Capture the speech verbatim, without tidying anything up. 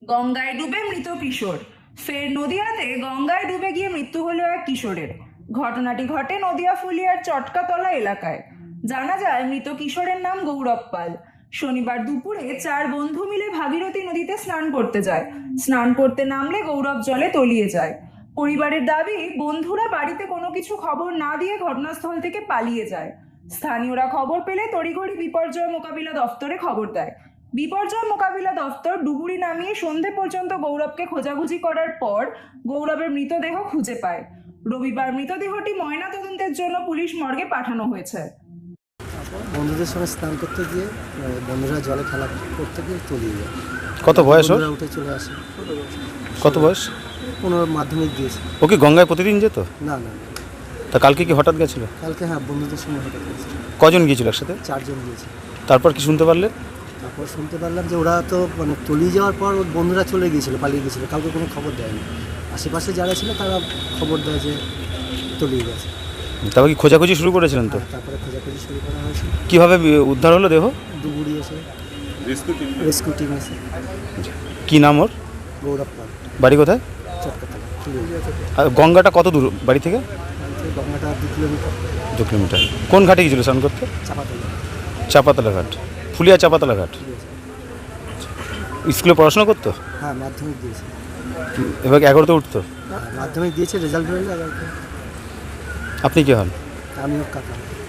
গঙ্গায় ডুবে মৃত কিশোর। ফের নদিয়াতে গঙ্গায় ডুবে গিয়ে মৃত্যু হলো এক কিশোরের। ঘটনাটি ঘটে নদিয়া ফুলিয়ার চটকাতলা এলাকায়। জানা যায় মৃত কিশোরের নাম গৌরব পাল। শনিবার দুপুরে চার বন্ধু মিলে ভাগীরথী নদীতে স্নান করতে যায়। স্নান করতে নামলে গৌরব জলে তলিয়ে যায়। পরিবারের দাবি, বন্ধুরা বাড়িতে কোনো কিছু খবর না দিয়ে ঘটনাস্থল থেকে পালিয়ে যায়। স্থানীয়রা খবর পেলে তড়িঘড়ি বিপর্যয় মোকাবিলা দফতরে খবর দেয়। বিপর্যয় মোকাবিলা দফতর ডুবুরি নামিয়ে সন্ধে পর্যন্ত গৌরবকে খোঁজাখুঁজি করার পর গৌরবের মৃতদেহ খুঁজে পায়। রবিবার মৃতদেহটি ময়নাতদন্তের জন্য পুলিশ মর্গে পাঠানো হয়েছে। বন্ধুদের সঙ্গে স্নান করতে গিয়ে বন্ধুরা জলে খেলা করতে গিয়ে তলিয়ে যায়। কত বয়স ওর? উঠে চলে আসে। কত বয়স? পনেরো মাধ্যমিক দিয়েছে। ও কি গঙ্গায় প্রতিদিন যেত? না না তা কালকে কি হঠাৎ গেছিল? কালকে হ্যাঁ বন্ধুদের সঙ্গে হঠাৎ গেছে। কজন গিয়েছিল একসাথে? চারজন গিয়েছে। তারপর কি শুনতে পারলে? তারপর শুনতে পারলাম যে ওরা তো মানে তলিয়ে যাওয়ার পর ওর বন্ধুরা চলে গিয়েছিলো, পালিয়ে গিয়েছিলো, কাউকে কোনো খবর দেয়নি। আশেপাশে যারা ছিল তারা খবর দেয় যে তলিয়ে গেছে। তারপর কি খোঁজাখুঁজি শুরু করেছিলেন তো? তারপরে খোঁজাখুঁজি শুরু করা হয়েছিল। কীভাবে উদ্ধার হলো দেহ? ডুবুরি এসে রেস্কিউ টিম এসে। কি নাম ওর? গৌরব পাল। বাড়ি কোথায়? চটকাতলা। আর গঙ্গাটা কত দূর বাড়ি থেকে? গঙ্গাটা দু কিলোমিটার। দু কিলোমিটার। কোন ঘাটে গিয়েছিল স্নান করতে? চাপাতলা। চাপাতলা ঘাট, ফুলিয়া চাপাতলা ঘাট। স্কুলে পড়াশোনা করতো? হ্যাঁ মাধ্যমিক দিয়েছে। এবার এগারোতে উঠতো? মাধ্যমিক দিয়েছে, রেজাল্ট বেরোলে আবার। আপনি কি হন? আমি ওর কাকা।